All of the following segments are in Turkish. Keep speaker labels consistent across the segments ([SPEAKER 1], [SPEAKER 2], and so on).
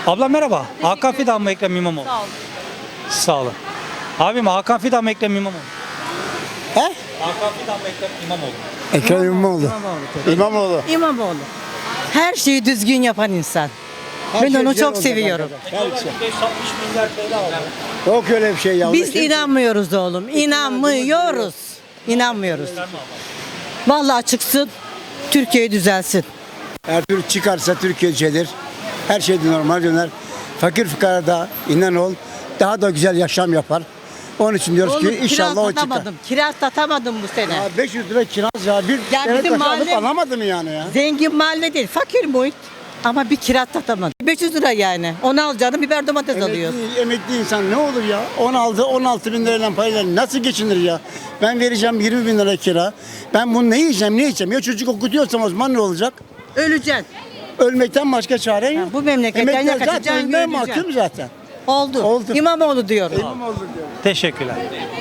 [SPEAKER 1] Abla merhaba. Hakan Fidan mı Ekrem İmamoğlu?
[SPEAKER 2] Sağ olun.
[SPEAKER 1] Sağ olun. Abim Hakan Fidan mı Ekrem İmamoğlu?
[SPEAKER 3] He?
[SPEAKER 1] Hakan Fidan mı Ekrem İmamoğlu?
[SPEAKER 3] Ekrem İmamoğlu. İmamoğlu.
[SPEAKER 2] İmamoğlu. Her şeyi düzgün yapan insan.
[SPEAKER 3] Her
[SPEAKER 2] Ben
[SPEAKER 3] şey
[SPEAKER 2] onu
[SPEAKER 3] güzel
[SPEAKER 2] çok
[SPEAKER 3] olacak
[SPEAKER 2] seviyorum.
[SPEAKER 3] arkadaşlar. Her şey.
[SPEAKER 1] 560 milyar TL aldı.
[SPEAKER 3] Yok öyle bir şey ya.
[SPEAKER 2] Biz inanmıyoruz oğlum. İnanmıyoruz. İnanmıyoruz. Vallahi çıksın. Türkiye düzelsin.
[SPEAKER 3] Her türlü çıkarsa Türkiye düzelir. Her şey de normal döner. Fakir fukara da inan ol daha da güzel yaşam yapar. Onun için diyoruz
[SPEAKER 2] Oğlum,
[SPEAKER 3] ki inşallah o çıkar.
[SPEAKER 2] Kiraz satamadım bu sene.
[SPEAKER 3] Ya 500 lira kiraz ya. Bir
[SPEAKER 2] Ya
[SPEAKER 3] sene
[SPEAKER 2] bizim
[SPEAKER 3] taşı alıp
[SPEAKER 2] mahalle-
[SPEAKER 3] alamadım yani ya.
[SPEAKER 2] Zengin mahalle değil. Fakir muhit. Ama bir kiraz satamadım. 500 lira yani. Onu alacağını biber domates alıyorsun.
[SPEAKER 3] Emekli insan ne olur ya? 16 bin lirayla parayla nasıl geçinir ya? Ben vereceğim 20 bin lira kira. Ben bunu ne yiyeceğim? Ya çocuk okutuyorsam o zaman ne olacak?
[SPEAKER 2] Öleceksin.
[SPEAKER 3] Ölmekten başka çare yok.
[SPEAKER 2] bu memleketten
[SPEAKER 3] Emekliler
[SPEAKER 2] ya kaçacaksın,
[SPEAKER 3] zaten ölmeye
[SPEAKER 2] öleceksin.
[SPEAKER 3] mahkum zaten.
[SPEAKER 2] Oldu.
[SPEAKER 3] Oldu.
[SPEAKER 2] İmamoğlu diyorum.
[SPEAKER 1] Teşekkürler.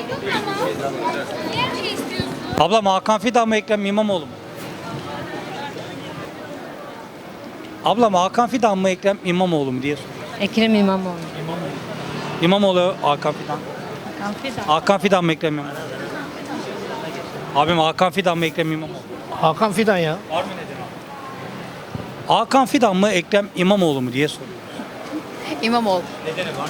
[SPEAKER 1] Ablam Hakan Fidan mı Ekrem İmamoğlu mu? Ablam Hakan Fidan mı Ekrem İmamoğlu mu diye soruyor.
[SPEAKER 4] Ekrem İmamoğlu.
[SPEAKER 1] İmamoğlu Hakan Fidan. Hakan Fidan mı Ekrem İmamoğlu? Abim Hakan Fidan mı Ekrem İmamoğlu?
[SPEAKER 5] Hakan Fidan ya.
[SPEAKER 1] Var mı neden abi? Hakan Fidan mı Ekrem İmamoğlu mu diye soruyor.
[SPEAKER 4] İmamoğlu.
[SPEAKER 1] Nedeni var mı?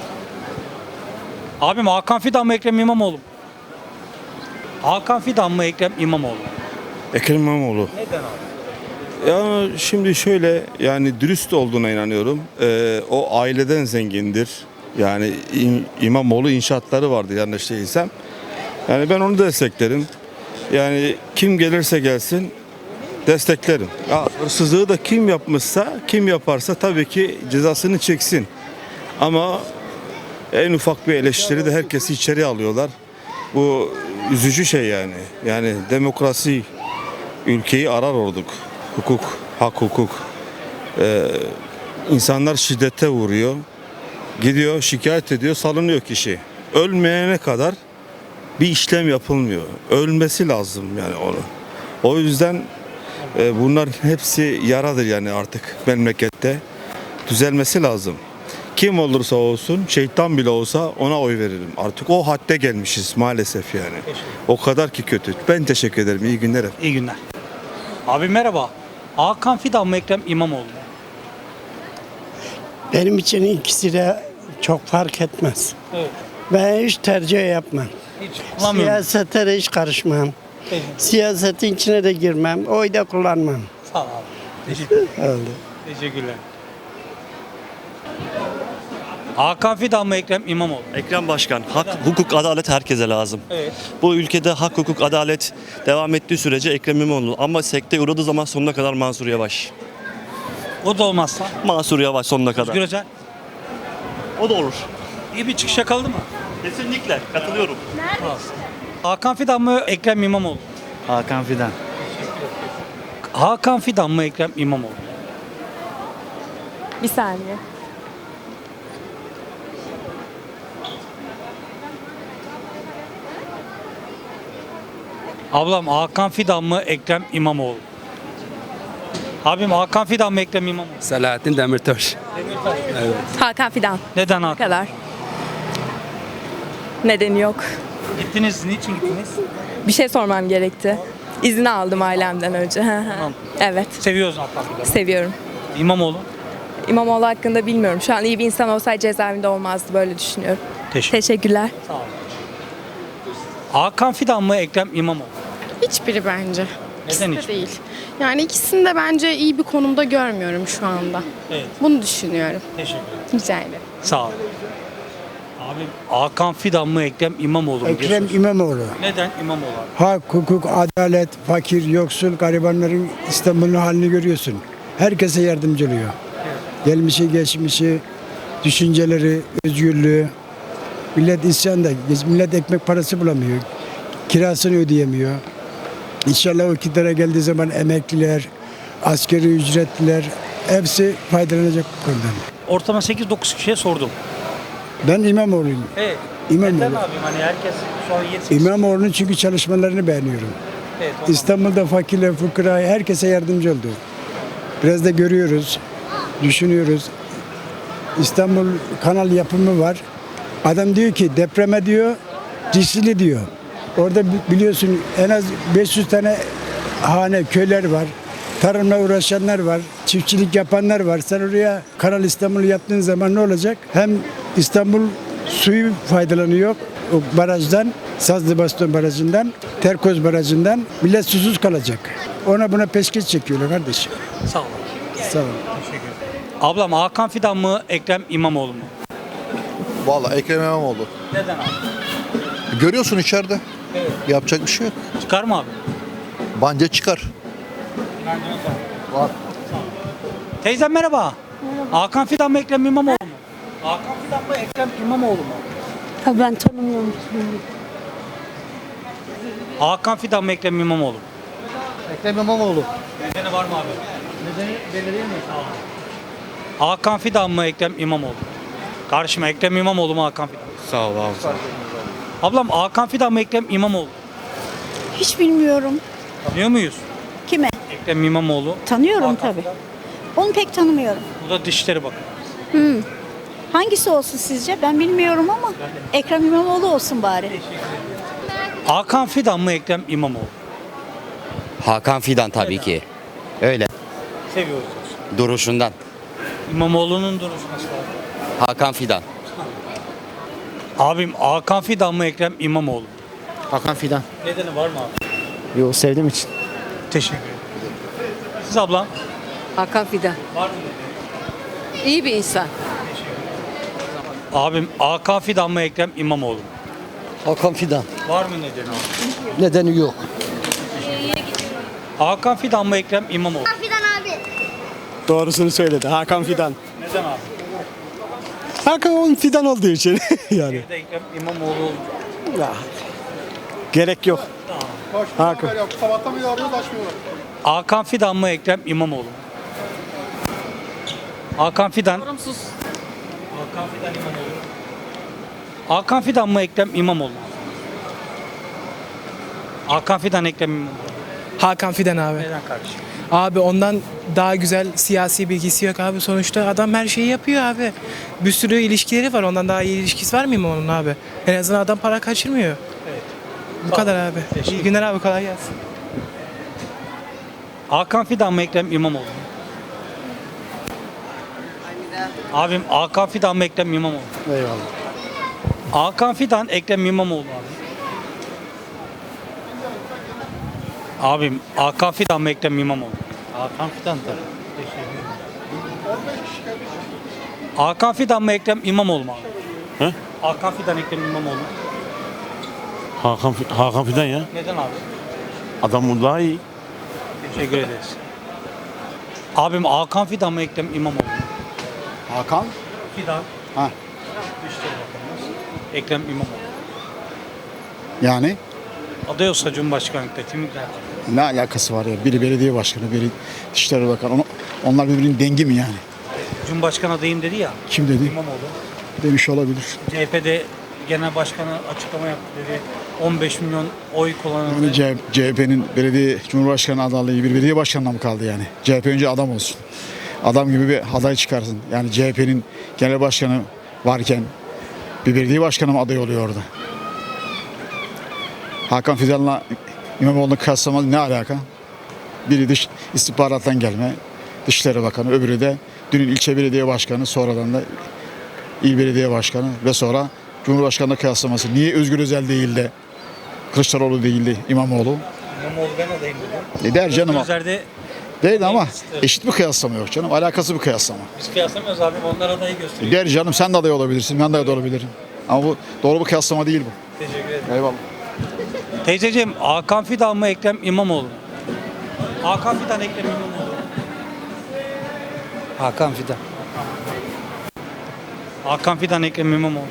[SPEAKER 1] Abim Hakan Fidan mı Ekrem İmamoğlu mu? Hakan Fidan mı Ekrem İmamoğlu mu?
[SPEAKER 6] Ekrem İmamoğlu.
[SPEAKER 1] Neden abi?
[SPEAKER 6] Ya şimdi şöyle yani dürüst olduğuna inanıyorum. O aileden zengindir. Yani İmamoğlu inşaatları vardı yanlış değilsem. Yani ben onu desteklerim. Yani kim gelirse gelsin desteklerim. Ya, hırsızlığı da kim yapmışsa, kim yaparsa tabii ki cezasını çeksin. Ama en ufak bir eleştiri de herkesi içeri alıyorlar. Bu üzücü şey yani. Yani demokrasi ülkeyi arar olduk. Hukuk, hak hukuk. İnsanlar şiddete vuruyor. Gidiyor, şikayet ediyor, salınıyor kişi. Ölmeyene kadar bir işlem yapılmıyor. Ölmesi lazım yani onu. O yüzden bunların hepsi yaradır yani artık memlekette. Düzelmesi lazım. Kim olursa olsun, şeytan bile olsa ona oy veririm. Artık o hadde gelmişiz maalesef yani. O kadar ki kötü. Ben teşekkür ederim. İyi günler efendim.
[SPEAKER 1] İyi günler. Abi merhaba. Hakan Fidan mı Ekrem İmamoğlu mu?
[SPEAKER 7] Benim için ikisi de çok fark etmez.
[SPEAKER 1] Evet.
[SPEAKER 7] Ben hiç tercih yapmam.
[SPEAKER 1] Hiç kullanmıyorum.
[SPEAKER 7] Siyasete de hiç karışmam.
[SPEAKER 1] Peki.
[SPEAKER 7] Siyasetin içine de girmem. Oy da kullanmam.
[SPEAKER 1] Sağ ol abi.
[SPEAKER 7] Oldu.
[SPEAKER 1] Teşekkürler. Hakan Fidan mı Ekrem İmamoğlu?
[SPEAKER 8] Ekrem Başkan, hak, hukuk, adalet herkese lazım.
[SPEAKER 1] Evet.
[SPEAKER 8] Bu ülkede hak, hukuk, adalet devam ettiği sürece Ekrem İmamoğlu. Ama sekteye uğradığı zaman sonuna kadar Mansur Yavaş.
[SPEAKER 1] O da olmazsa.
[SPEAKER 8] Mansur Yavaş sonuna kadar.
[SPEAKER 1] Özgür Özel.
[SPEAKER 8] O da olur.
[SPEAKER 1] İyi bir çıkış yakaladı mı?
[SPEAKER 8] Kesinlikle katılıyorum.
[SPEAKER 1] Hakan Fidan mı Ekrem İmamoğlu?
[SPEAKER 5] Hakan Fidan.
[SPEAKER 1] Hakan Fidan mı Ekrem İmamoğlu?
[SPEAKER 4] Bir saniye.
[SPEAKER 1] Ablam Hakan Fidan mı Ekrem İmamoğlu? Abim Hakan Fidan mı Ekrem İmamoğlu?
[SPEAKER 9] Selahattin Demirtaş.
[SPEAKER 4] Hakan Fidan.
[SPEAKER 1] Neden
[SPEAKER 4] Bu
[SPEAKER 1] Hakan?
[SPEAKER 4] kadar. Nedeni yok.
[SPEAKER 1] Gittiniz, niçin gittiniz?
[SPEAKER 4] Bir şey sormam gerekti. İzin aldım ailemden önce.
[SPEAKER 1] Tamam.
[SPEAKER 4] Evet.
[SPEAKER 1] Seviyoruz Hakan Fidan'ı.
[SPEAKER 4] Seviyorum.
[SPEAKER 1] İmamoğlu.
[SPEAKER 4] İmamoğlu hakkında bilmiyorum. Şu an iyi bir insan olsaydı cezaevinde olmazdı. Böyle düşünüyorum. Teşekkürler.
[SPEAKER 1] Hakan Fidan mı Ekrem İmamoğlu?
[SPEAKER 10] Hiçbiri bence.
[SPEAKER 1] Neden
[SPEAKER 10] İkisi
[SPEAKER 1] hiç?
[SPEAKER 10] de değil. Yani ikisini de bence iyi bir konumda görmüyorum şu anda.
[SPEAKER 1] Evet.
[SPEAKER 10] Bunu düşünüyorum.
[SPEAKER 1] Teşekkür ederim.
[SPEAKER 10] Rica ederim.
[SPEAKER 1] Sağ ol. Abi Hakan Fidan mı Ekrem İmamoğlu mu? diye
[SPEAKER 3] Ekrem
[SPEAKER 1] soruyorsun.
[SPEAKER 3] İmamoğlu.
[SPEAKER 1] Neden İmamoğlu abi?
[SPEAKER 3] Hak, hukuk, adalet, fakir, yoksul, garibanların İstanbul'un halini görüyorsun. Herkese yardımcı oluyor. Gelmişi, geçmişi, düşünceleri, özgürlüğü. Millet isyanda, millet ekmek parası bulamıyor. Kirasını ödeyemiyor. İnşallah o iktidara geldiği zaman emekliler, asgari ücretliler hepsi faydalanacak bu konudan.
[SPEAKER 1] Ortalama 8-9 kişiye sordum.
[SPEAKER 3] Ben İmamoğlu'yum.
[SPEAKER 1] Evet.
[SPEAKER 3] İmamoğlu.
[SPEAKER 1] Neden abim hani herkes sonra 7
[SPEAKER 3] İmamoğlu'nun çünkü çalışmalarını beğeniyorum.
[SPEAKER 1] Evet, ondan.
[SPEAKER 3] İstanbul'da fakirler, fukara herkese yardımcı oldu. Biraz da görüyoruz, düşünüyoruz. İstanbul kanal yapımı var. Adam diyor ki depreme diyor riskli diyor. Orada biliyorsun en az 500 tane hane, köyler var. Tarımla uğraşanlar var. Çiftçilik yapanlar var. Sen oraya Kanal İstanbul yaptığın zaman ne olacak? Hem İstanbul suyu faydalanıyor o barajdan, Sazlıbaston Barajı'ndan, Terkoz Barajı'ndan. Millet susuz kalacak. Ona buna peşkeş çekiyorlar kardeşim.
[SPEAKER 1] Sağ olun.
[SPEAKER 3] Sağ olun.
[SPEAKER 1] Ablam Hakan Fidan mı Ekrem İmamoğlu mu?
[SPEAKER 9] Vallahi Ekrem İmamoğlu.
[SPEAKER 1] Neden abi?
[SPEAKER 9] Görüyorsun içeride. Yapacak bir şey yok.
[SPEAKER 1] Çıkar mı abi?
[SPEAKER 9] Bence çıkar. Var.
[SPEAKER 1] Teyzem merhaba. Hakan Fidan mı Ekrem İmamoğlu mu? Hakan Fidan mı Ekrem İmamoğlu mu?
[SPEAKER 11] Ha, ben tanımıyorum.
[SPEAKER 1] Hakan Fidan mı Ekrem İmamoğlu mu?
[SPEAKER 9] Ekrem İmamoğlu.
[SPEAKER 1] Nedeni var mı abi? Nedeni belli değil mi? Sağ olun. Hakan Fidan mı Ekrem İmamoğlu mu? Karşıma Ekrem İmamoğlu mu Hakan Fidan mı?
[SPEAKER 6] Sağ ol abi.
[SPEAKER 1] Ablam Hakan Fidan mı Ekrem İmamoğlu mu?
[SPEAKER 11] Hiç bilmiyorum.
[SPEAKER 1] Tanıyor muyuz?
[SPEAKER 11] Kime?
[SPEAKER 1] Ekrem İmamoğlu.
[SPEAKER 11] Tanıyorum
[SPEAKER 1] Hakan
[SPEAKER 11] tabii.
[SPEAKER 1] Fidan.
[SPEAKER 11] Onu pek tanımıyorum.
[SPEAKER 1] Bu da Dışişleri Bakanı.
[SPEAKER 11] Hangisi olsun sizce? Ben bilmiyorum ama Ekrem İmamoğlu olsun bari.
[SPEAKER 1] Hakan Fidan mı Ekrem İmamoğlu?
[SPEAKER 12] Hakan Fidan tabii ki. Öyle.
[SPEAKER 1] Seviyoruz.
[SPEAKER 12] Duruşundan.
[SPEAKER 1] İmamoğlu'nun duruşu nasıl abi?
[SPEAKER 12] Hakan Fidan.
[SPEAKER 1] Abim Hakan Fidan mı Ekrem İmamoğlu mu?
[SPEAKER 5] Hakan Fidan.
[SPEAKER 1] Nedeni var mı abi?
[SPEAKER 5] Yo, sevdiğim için.
[SPEAKER 1] Teşekkür ederim. Siz ablam?
[SPEAKER 2] Hakan Fidan.
[SPEAKER 1] Var mı?
[SPEAKER 2] İyi bir insan.
[SPEAKER 1] Abim Hakan Fidan mı Ekrem İmamoğlu mu?
[SPEAKER 5] Hakan Fidan.
[SPEAKER 1] Var mı nedeni abi?
[SPEAKER 5] Nedeni yok.
[SPEAKER 1] Hakan Fidan mı Ekrem İmamoğlu?
[SPEAKER 5] Doğrusunu söyledi. Hakan Fidan.
[SPEAKER 1] Neden abi?
[SPEAKER 5] Hakan Fidan olduğu için yani.
[SPEAKER 1] Bir de Ekrem İmamoğlu oldu.
[SPEAKER 5] Ya, gerek yok. Hakan.
[SPEAKER 1] Hakan Fidan mı Ekrem İmamoğlu mu? Hakan Fidan. Hakan Fidan İmamoğlu. Hakan Fidan mı Ekrem İmamoğlu mu? Hakan Fidan Ekrem İmamoğlu.
[SPEAKER 13] Hakan Fidan abi.
[SPEAKER 1] Neden kardeşim?
[SPEAKER 13] Abi ondan daha güzel siyasi bilgisi yok abi. Sonuçta adam her şeyi yapıyor abi. Bir sürü ilişkileri var. Ondan daha iyi ilişkisi var mı onun abi? En azından adam para kaçırmıyor.
[SPEAKER 1] Evet.
[SPEAKER 13] Bu kadar abi. İyi günler abi, kolay gelsin.
[SPEAKER 1] Hakan Fidan mı Ekrem İmamoğlu mu? Abim Hakan Fidan mı Ekrem İmamoğlu mu?
[SPEAKER 5] Eyvallah.
[SPEAKER 1] Hakan Fidan Ekrem İmamoğlu abi. Abim Hakan Fidan mı Ekrem İmamoğlu? Hakan Fidan tabii. Hakan Fidan mı Ekrem İmamoğlu mu abi?
[SPEAKER 8] He?
[SPEAKER 1] Hakan Fidan Ekrem İmamoğlu mu?
[SPEAKER 8] Hakan Fidan ya.
[SPEAKER 1] Neden abi?
[SPEAKER 8] Adam daha iyi.
[SPEAKER 1] Teşekkür ederiz. Abim Hakan Fidan mı Ekrem İmamoğlu mu?
[SPEAKER 3] Hakan?
[SPEAKER 1] Fidan.
[SPEAKER 3] Ha.
[SPEAKER 1] Dışişleri Bakanımız Ekrem İmamoğlu.
[SPEAKER 3] Yani
[SPEAKER 1] Aday olsa Cumhurbaşkanlıkta kim gider?
[SPEAKER 3] ne alakası var ya? Biri belediye başkanı, biri Dışişleri Bakanı. Onlar birbirinin dengi mi yani?
[SPEAKER 1] Cumhurbaşkanı adayım dedi ya.
[SPEAKER 3] Kim dedi?
[SPEAKER 1] İmamoğlu.
[SPEAKER 3] Demiş olabilir.
[SPEAKER 1] CHP'de genel başkanı açıklama yaptı dedi. 15 milyon oy kullanıldı.
[SPEAKER 3] Yani CHP'nin belediye Cumhurbaşkanı adaylığı bir belediye başkanına mı kaldı yani? CHP önce adam olsun. Adam gibi bir aday çıkarsın. Yani CHP'nin genel başkanı varken bir belediye başkanı mı aday oluyor orada? Hakan Fidan'la İmamoğlu'nu kıyaslamak ne alaka? Biri dış istihbarattan gelme, Dışişleri Bakanı, öbürü de dünün ilçe belediye başkanı, sonradan da il belediye başkanı ve sonra Cumhurbaşkanı'na kıyaslaması. Niye Özgür Özel değil de Kılıçdaroğlu değil de İmamoğlu?
[SPEAKER 1] İmamoğlu ben adayım dedi.
[SPEAKER 3] Der canım.
[SPEAKER 1] Özer'de
[SPEAKER 3] Değil ama eşit bir kıyaslama yok canım. Alakası bir kıyaslama.
[SPEAKER 1] biz kıyaslamıyoruz abi. Onlar adayı gösteriyor.
[SPEAKER 3] Der canım sen de aday olabilirsin, ben de aday olabilirim. Ama bu doğru bir kıyaslama değil bu.
[SPEAKER 1] Teşekkür ederim.
[SPEAKER 3] Eyvallah.
[SPEAKER 1] Teyzeciğim Hakan Fidan mı Ekrem İmamoğlu mu? Hakan Fidan Ekrem İmamoğlu.
[SPEAKER 5] Hakan Fidan.
[SPEAKER 1] Hakan Fidan Ekrem İmamoğlu.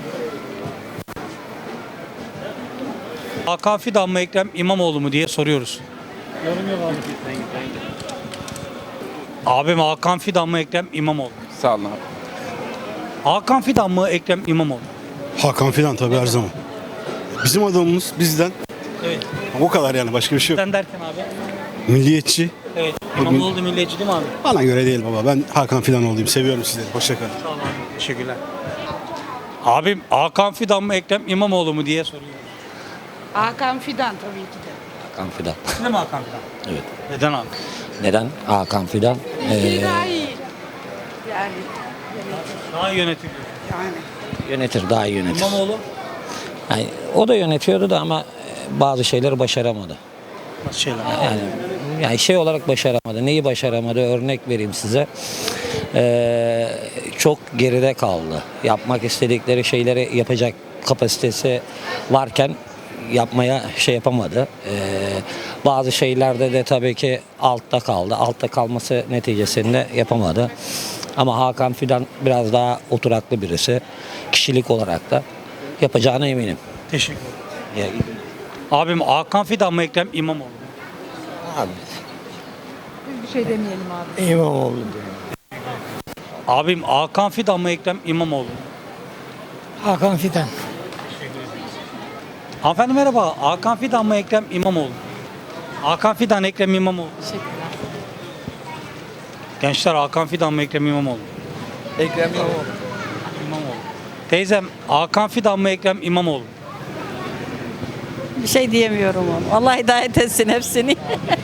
[SPEAKER 1] Hakan Fidan mı Ekrem İmamoğlu mu diye soruyoruz. Yorum yok abi. Abim Hakan Fidan mı Ekrem İmamoğlu mu?
[SPEAKER 12] Sağ olun abi.
[SPEAKER 1] Hakan Fidan mı Ekrem İmamoğlu mu?
[SPEAKER 7] Hakan Fidan tabii her zaman. Bizim adamımız bizden.
[SPEAKER 1] Evet.
[SPEAKER 7] O kadar yani, başka bir şey yok.
[SPEAKER 1] Sen derken abi.
[SPEAKER 7] Milliyetçi,
[SPEAKER 1] Evet. İmamoğlu milliyetçi değil mi abi?
[SPEAKER 5] Bana göre değil baba. Ben Hakan Fidan olayım. Seviyorum sizleri. Hoşçakalın.
[SPEAKER 1] Sağ ol abi. Teşekkürler. Abim Hakan Fidan mı Ekrem İmamoğlu mu diye soruyor.
[SPEAKER 11] Hakan Fidan tabii ki de.
[SPEAKER 12] Hakan Fidan.
[SPEAKER 1] Değil mi Hakan Fidan?
[SPEAKER 12] Evet.
[SPEAKER 1] Neden abi?
[SPEAKER 12] Neden? Hakan Fidan.
[SPEAKER 11] Daha iyi. Yani
[SPEAKER 1] Daha iyi yönetiliyor.
[SPEAKER 12] Yönetir, daha iyi yönetir.
[SPEAKER 1] İmamoğlu
[SPEAKER 12] Yani, o da yönetiyordu da ama bazı şeyleri başaramadı.
[SPEAKER 1] nasıl şeyler?
[SPEAKER 12] Yani şey olarak başaramadı. Neyi başaramadı? Örnek vereyim size. Çok geride kaldı. Yapmak istedikleri şeyleri yapacak kapasitesi varken yapmaya şey yapamadı. Bazı şeylerde de tabii ki altta kaldı. Altta kalması neticesinde yapamadı. Ama Hakan Fidan biraz daha oturaklı birisi. Kişilik olarak da yapacağına eminim.
[SPEAKER 1] Teşekkür ederim. Abim Hakan Fidan mı Ekrem İmamoğlu mu?
[SPEAKER 4] Bir şey demeyelim abi.
[SPEAKER 7] İmamoğlu.
[SPEAKER 1] Abim Hakan Fidan mı Ekrem İmamoğlu mu?
[SPEAKER 7] Hakan Fidan.
[SPEAKER 1] Hanımefendi merhaba. Hakan Fidan mı Ekrem İmamoğlu mu? Hakan Fidan Ekrem İmamoğlu.
[SPEAKER 4] Teşekkürler.
[SPEAKER 1] Gençler Hakan Fidan mı Ekrem İmamoğlu mu?
[SPEAKER 9] Ekrem İmamoğlu.
[SPEAKER 1] İmamoğlu. Teyzem Hakan Fidan mı Ekrem İmamoğlu mu?
[SPEAKER 2] Bir şey diyemiyorum onu. Allah hidayet etsin hepsini.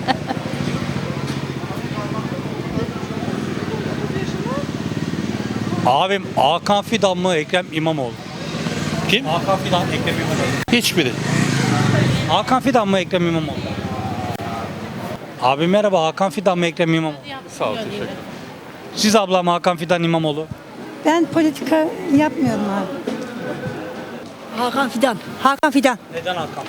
[SPEAKER 1] Abim Hakan Fidan mı Ekrem İmamoğlu? Kim? Hakan Fidan Ekrem İmamoğlu.
[SPEAKER 8] Hiçbiri.
[SPEAKER 1] Hakan Fidan mı Ekrem İmamoğlu? Abi merhaba Hakan Fidan mı Ekrem İmamoğlu?
[SPEAKER 8] Sağ ol, teşekkür ederim.
[SPEAKER 1] Siz ablam Hakan Fidan İmamoğlu.
[SPEAKER 2] Ben politika yapmıyorum abi. Hakan Fidan. Hakan Fidan.
[SPEAKER 1] Neden Hakan?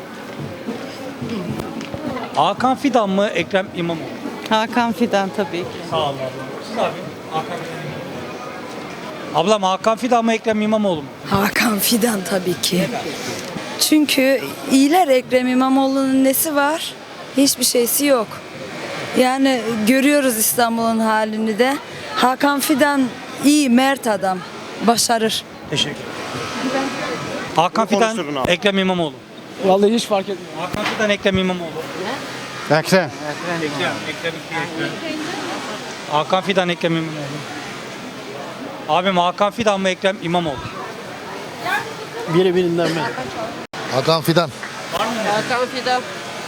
[SPEAKER 1] Hakan Fidan mı Ekrem İmamoğlu?
[SPEAKER 2] Hakan Fidan tabii ki.
[SPEAKER 1] Sağ olun ablam. Siz abi Hakan Fidan İmamoğlu. Ablam Hakan Fidan mı Ekrem İmamoğlu mu?
[SPEAKER 4] Hakan Fidan tabii ki. Çünkü iyiler, Ekrem İmamoğlu'nun nesi var? Hiçbir şeysi yok. Yani görüyoruz İstanbul'un halini de. Hakan Fidan iyi, mert adam. Başarır.
[SPEAKER 1] Teşekkür ederim. Hakan Fidan Ekrem İmamoğlu.
[SPEAKER 5] Vallahi hiç fark etmiyor.
[SPEAKER 1] Hakan Fidan Ekrem İmamoğlu.
[SPEAKER 5] Ekrem.
[SPEAKER 1] Ekrem. Ekrem. Hakan Fidan Ekrem İmamoğlu. Abim Hakan Fidan mı Ekrem İmamoğlu?
[SPEAKER 7] Biri birinden ben.
[SPEAKER 9] Hakan Fidan.
[SPEAKER 2] Hakan Fidan.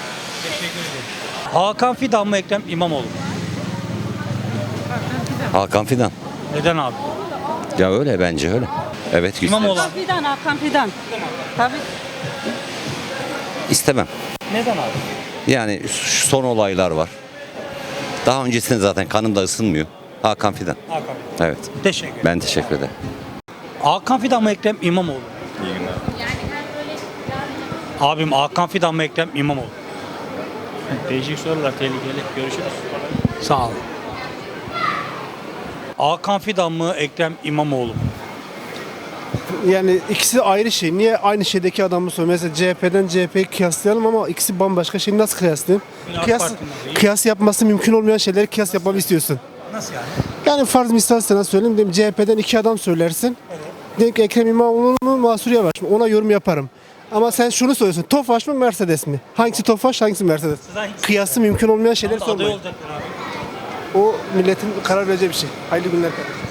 [SPEAKER 1] Hakan Fidan mı Ekrem İmamoğlu?
[SPEAKER 12] Hakan Fidan.
[SPEAKER 1] Neden abi?
[SPEAKER 12] Ya öyle bence öyle. Evet güzel.
[SPEAKER 1] İmamoğlu.
[SPEAKER 2] Fidan, Hakan Fidan. Tabii.
[SPEAKER 12] İstemem.
[SPEAKER 1] Neden abi?
[SPEAKER 12] Yani şu son olaylar var. Daha öncesinde zaten kanım da ısınmıyor. Hakan Fidan.
[SPEAKER 1] Hakan Fidan.
[SPEAKER 12] Evet.
[SPEAKER 1] Teşekkür ederim.
[SPEAKER 12] Ben teşekkür ederim.
[SPEAKER 1] Hakan Fidan mı Ekrem İmamoğlu? İyi günler. Abim Hakan Fidan mı Ekrem İmamoğlu?
[SPEAKER 8] Değişik sorular, tehlikeli. Görüşürüz.
[SPEAKER 1] Sağ ol. Hakan Fidan mı Ekrem İmamoğlu mu?
[SPEAKER 5] Yani ikisi ayrı şey. Niye aynı şeydeki adamı soruyor? Mesela CHP'den CHP'yi kıyaslayalım ama ikisi bambaşka şey. Nasıl kıyaslayayım?
[SPEAKER 1] AK
[SPEAKER 5] Kıyas,
[SPEAKER 1] Parti'nin değil.
[SPEAKER 5] kıyas yapması mümkün olmayan şeyleri kıyas yapmamı istiyorsun.
[SPEAKER 1] Nasıl yani?
[SPEAKER 5] Yani farz misal sana söyleyeyim. Diyelim CHP'den iki adam söylersin. Diyelim ki Ekrem İmamoğlu mu Mansur Yavaş mı? Ona yorum yaparım. Ama sen şunu soruyorsun. Tofaş mı Mercedes mi? Hangisi Tofaş hangisi Mercedes? Kıyası mümkün olmayan şeyleri
[SPEAKER 1] Aday
[SPEAKER 5] sormayın.
[SPEAKER 1] olacaklar abi.
[SPEAKER 5] O milletin karar vereceği bir şey. Hayırlı günler.